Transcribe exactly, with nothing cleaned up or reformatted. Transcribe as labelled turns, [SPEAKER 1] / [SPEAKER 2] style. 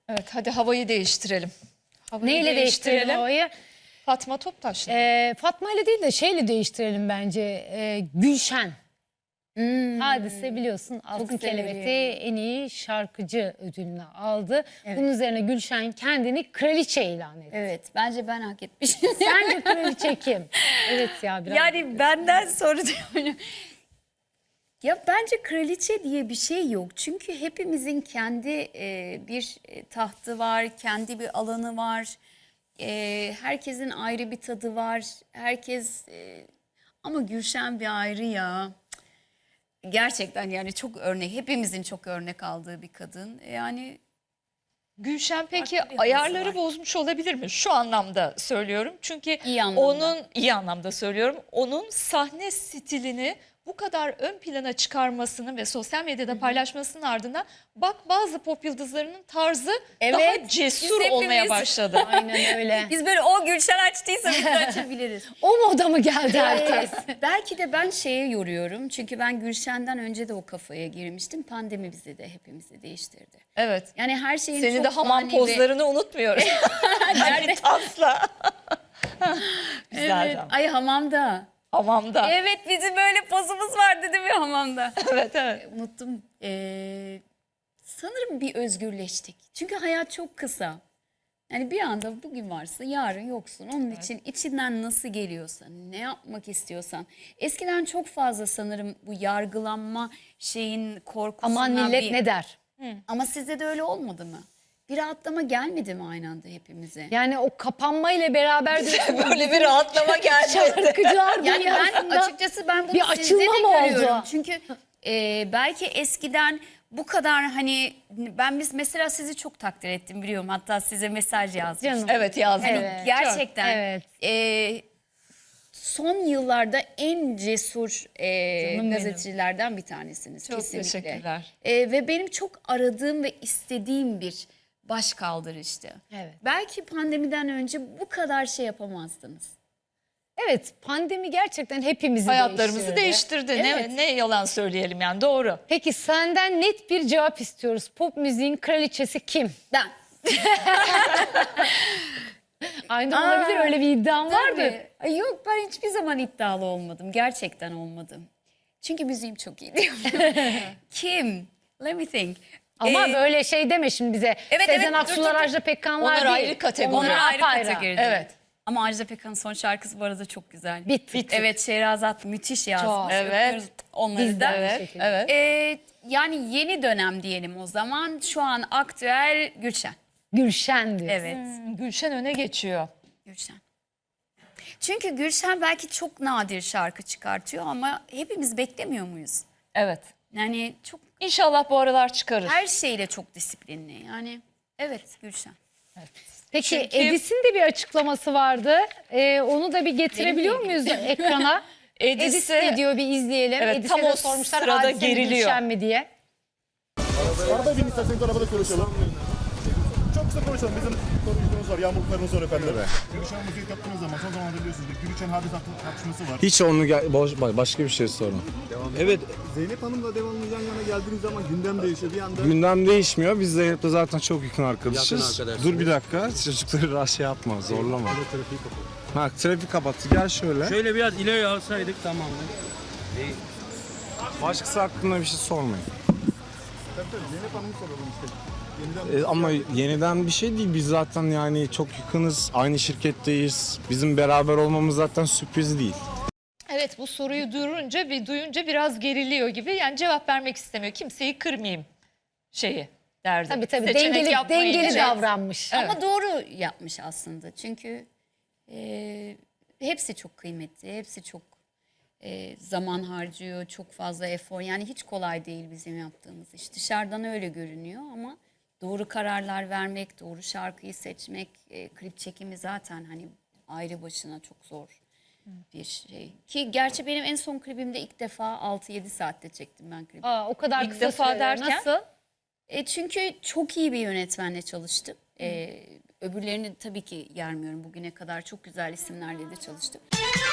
[SPEAKER 1] Evet, hadi havayı değiştirelim. Havayı
[SPEAKER 2] Neyle değiştirelim havayı?
[SPEAKER 1] Fatma Toptaş'la.
[SPEAKER 2] Ee, Fatma ile değil de şeyle değiştirelim bence. Ee, Gülşen.
[SPEAKER 3] Hmm.
[SPEAKER 2] Hadise biliyorsun Altın
[SPEAKER 3] severim.
[SPEAKER 2] Kelebek'te en iyi şarkıcı ödülünü aldı. Bunun üzerine Gülşen kendini kraliçe ilan etti.
[SPEAKER 3] Evet, bence ben hak etmişim.
[SPEAKER 2] Sence kraliçe kim? Evet ya biraz.
[SPEAKER 3] Yani benden sonra diyorum. Ya bence kraliçe diye bir şey yok. Çünkü hepimizin kendi e, bir e, tahtı var, kendi bir alanı var. E, herkesin ayrı bir tadı var. Herkes e, ama Gülşen bir ayrı ya. Gerçekten yani çok örnek, hepimizin çok örnek aldığı bir kadın. Yani
[SPEAKER 1] Gülşen peki
[SPEAKER 3] Farklı bir havası
[SPEAKER 1] ayarları
[SPEAKER 3] var.
[SPEAKER 1] bozmuş olabilir mi? Şu anlamda söylüyorum. Çünkü
[SPEAKER 3] İyi anlamda.
[SPEAKER 1] onun iyi anlamda söylüyorum. Onun sahne stilini bu kadar ön plana çıkarmasının ve sosyal medyada paylaşmasının ardından bak bazı pop yıldızlarının tarzı daha
[SPEAKER 3] Evet,
[SPEAKER 1] cesur
[SPEAKER 3] biz
[SPEAKER 1] olmaya
[SPEAKER 3] hepimiz-
[SPEAKER 1] başladı.
[SPEAKER 2] Aynen öyle.
[SPEAKER 3] biz böyle o Gülşen açtıysa biz de açabiliriz.
[SPEAKER 2] O moda mı geldi herkes?
[SPEAKER 3] Belki de ben şeye yoruyorum. Çünkü ben Gülşen'den önce de o kafaya girmiştim. Pandemi bizi de hepimizi değiştirdi.
[SPEAKER 1] Evet.
[SPEAKER 3] Yani her şeyin
[SPEAKER 1] Senin
[SPEAKER 3] çok
[SPEAKER 1] de hamam
[SPEAKER 3] fani ve-
[SPEAKER 1] pozlarını unutmuyoruz. Hani tasla. Güzel
[SPEAKER 3] Evet.
[SPEAKER 1] ama.
[SPEAKER 3] Ay hamamda.
[SPEAKER 1] Hamamda. Evet,
[SPEAKER 3] Evet bizim böyle pozumuz vardı değil mi hamamda?
[SPEAKER 1] evet.
[SPEAKER 3] Unuttum. Ee, sanırım bir özgürleştik. Çünkü hayat çok kısa. Yani bir anda bugün varsın, yarın yoksun. Onun için içinden nasıl geliyorsa, ne yapmak istiyorsan. Eskiden çok fazla sanırım bu yargılanma şeyin korkusundan
[SPEAKER 2] Aman millet
[SPEAKER 3] bir...
[SPEAKER 2] ne der?
[SPEAKER 3] Ama sizde de öyle olmadı mı? Bir rahatlama gelmedi mi aynı anda hepimize?
[SPEAKER 2] Yani o kapanmayla beraber diyorsun,
[SPEAKER 1] Böyle bir rahatlama geldi.
[SPEAKER 2] şarkıcılar
[SPEAKER 3] Yani ben
[SPEAKER 2] dünyasında
[SPEAKER 3] açıkçası ben bunu
[SPEAKER 2] bir
[SPEAKER 3] sizde
[SPEAKER 2] açılma
[SPEAKER 3] de
[SPEAKER 2] mı oldu?
[SPEAKER 3] görüyorum. Çünkü e, belki eskiden bu kadar hani ben biz mesela sizi çok takdir ettim biliyorum. Hatta size mesaj yazmıştım.
[SPEAKER 2] Canım.
[SPEAKER 1] Evet yazdım.
[SPEAKER 2] Evet.
[SPEAKER 3] Gerçekten.
[SPEAKER 2] Evet.
[SPEAKER 3] e, son yıllarda en cesur e,
[SPEAKER 2] Canım benim.
[SPEAKER 3] gazetecilerden bir tanesiniz.
[SPEAKER 1] Çok
[SPEAKER 3] kesinlikle.
[SPEAKER 1] teşekkürler.
[SPEAKER 3] E, ve benim çok aradığım ve istediğim bir baş kaldırıştı.
[SPEAKER 2] Evet.
[SPEAKER 3] Belki pandemiden önce bu kadar şey yapamazdınız.
[SPEAKER 2] Evet, pandemi gerçekten hepimizi
[SPEAKER 1] Hayatlarımızı
[SPEAKER 2] değiştirdi.
[SPEAKER 1] değiştirdi.
[SPEAKER 3] Evet.
[SPEAKER 1] Ne, ne yalan söyleyelim yani doğru.
[SPEAKER 2] Peki senden net bir cevap istiyoruz. Pop müziğin kraliçesi kim?
[SPEAKER 3] Ben.
[SPEAKER 2] Aynen
[SPEAKER 3] Aa,
[SPEAKER 2] olabilir, öyle bir iddiam vardı.
[SPEAKER 3] Tabii. Ay yok ben hiçbir zaman iddialı olmadım. Gerçekten olmadım. Çünkü müziğim çok iyi diyorum. Kim? Let me think.
[SPEAKER 2] Ama
[SPEAKER 3] Ee,
[SPEAKER 2] böyle şey deme şimdi bize.
[SPEAKER 3] Evet,
[SPEAKER 2] Sezen
[SPEAKER 3] evet, dur,
[SPEAKER 2] Aksu'lar,
[SPEAKER 3] dur, dur.
[SPEAKER 2] Ajda Pekkanlar
[SPEAKER 1] Onlar
[SPEAKER 2] değil.
[SPEAKER 1] ayrı kategori.
[SPEAKER 2] Onlar
[SPEAKER 3] Onlar ayrı
[SPEAKER 2] apayrı.
[SPEAKER 3] kategoride.
[SPEAKER 1] Evet.
[SPEAKER 3] Ama Ajda Pekkan'ın son şarkısı bu arada çok güzel.
[SPEAKER 2] Bit. Bit.
[SPEAKER 3] Evet Şehrazat müthiş yazmış.
[SPEAKER 1] Evet.
[SPEAKER 3] Öpüyoruz onları
[SPEAKER 2] Biz de
[SPEAKER 3] da.
[SPEAKER 2] aynı
[SPEAKER 1] Evet,
[SPEAKER 2] şekilde.
[SPEAKER 1] evet.
[SPEAKER 3] Ee, yani yeni dönem diyelim o zaman. Şu an aktüel Gülşen.
[SPEAKER 2] Gülşen diyor.
[SPEAKER 3] Evet.
[SPEAKER 1] Hmm, Gülşen öne geçiyor.
[SPEAKER 3] Gülşen. Çünkü Gülşen belki çok nadir şarkı çıkartıyor ama hepimiz beklemiyor muyuz?
[SPEAKER 1] Evet.
[SPEAKER 3] Yani çok
[SPEAKER 1] İnşallah bu aralar çıkarır.
[SPEAKER 3] her şeyle çok disiplinli. Yani evet Gülşen.
[SPEAKER 2] Peki
[SPEAKER 1] Çünkü-
[SPEAKER 2] Edis'in de bir açıklaması vardı. Ee, onu da bir getirebiliyor
[SPEAKER 3] Benimle
[SPEAKER 2] muyuz ekrana?
[SPEAKER 1] Edis'i-
[SPEAKER 2] Edis ne diyor bir izleyelim.
[SPEAKER 1] Evet,
[SPEAKER 2] Edis'e
[SPEAKER 1] tam
[SPEAKER 2] de
[SPEAKER 1] o
[SPEAKER 2] sormuşlar
[SPEAKER 1] sırada
[SPEAKER 2] Hadise mi,
[SPEAKER 1] geriliyor.
[SPEAKER 2] Gülşen mi diye.
[SPEAKER 4] Arada bin isterseniz arabada konuşalım. Çok kısa konuşalım. Bizim sorumluluğumuz var. Yağmurluklarımız var efendim. Gülşen müzik yaptığınız zaman son zamanlarda biliyorsunuz bir Gülşen hadis tartışması var.
[SPEAKER 5] Hiç onu gel- boş, başka bir şey sorun. Evet,
[SPEAKER 4] Zeynep Hanım'la devamlı yan yana geldiğiniz zaman gündem değişiyor. Bir anda
[SPEAKER 5] gündem değişmiyor. Biz Zeynep'le zaten çok yakın arkadaşız.
[SPEAKER 4] Yakın arkadaşsınız.
[SPEAKER 5] Dur bir dakika, çocukları rahat şey yapma, zorlama.
[SPEAKER 4] trafiği kapalı.
[SPEAKER 5] Ha, trafik kapattı, gel şöyle.
[SPEAKER 6] Şöyle biraz ileri alsaydık tamam.
[SPEAKER 5] Başkası hakkında bir şey sormayın.
[SPEAKER 4] Tabii tabii Zeynep Hanım'ı soralım işte. Yeniden
[SPEAKER 5] E, ama yeniden bir şey değil, biz zaten yani çok yakınız, aynı şirketteyiz. Bizim beraber olmamız zaten sürpriz değil.
[SPEAKER 1] Evet, bu soruyu duyunca bir duyunca biraz geriliyor gibi. Yani cevap vermek istemiyor. Kimseyi kırmayayım şeyi derdi.
[SPEAKER 2] Tabii tabii
[SPEAKER 1] Seçenek
[SPEAKER 2] dengeli,
[SPEAKER 1] yapmayınca.
[SPEAKER 2] dengeli davranmış.
[SPEAKER 3] Ama doğru yapmış aslında. Çünkü e, hepsi çok kıymetli. Hepsi çok e, zaman harcıyor. Çok fazla efor. Yani hiç kolay değil bizim yaptığımız iş. Dışarıdan öyle görünüyor ama doğru kararlar vermek, doğru şarkıyı seçmek, e, klip çekimi zaten hani ayrı başına çok zor bir şey. Ki gerçi benim en son klibimde ilk defa altı yedi saatte çektim ben klibi.
[SPEAKER 2] Aa, o kadar
[SPEAKER 1] İlk
[SPEAKER 2] kısa
[SPEAKER 1] defa
[SPEAKER 2] sürede.
[SPEAKER 1] derken?
[SPEAKER 2] Nasıl?
[SPEAKER 3] E çünkü çok iyi bir yönetmenle çalıştım. E, öbürlerini tabii ki yermiyorum bugüne kadar. Çok güzel isimlerle de çalıştım.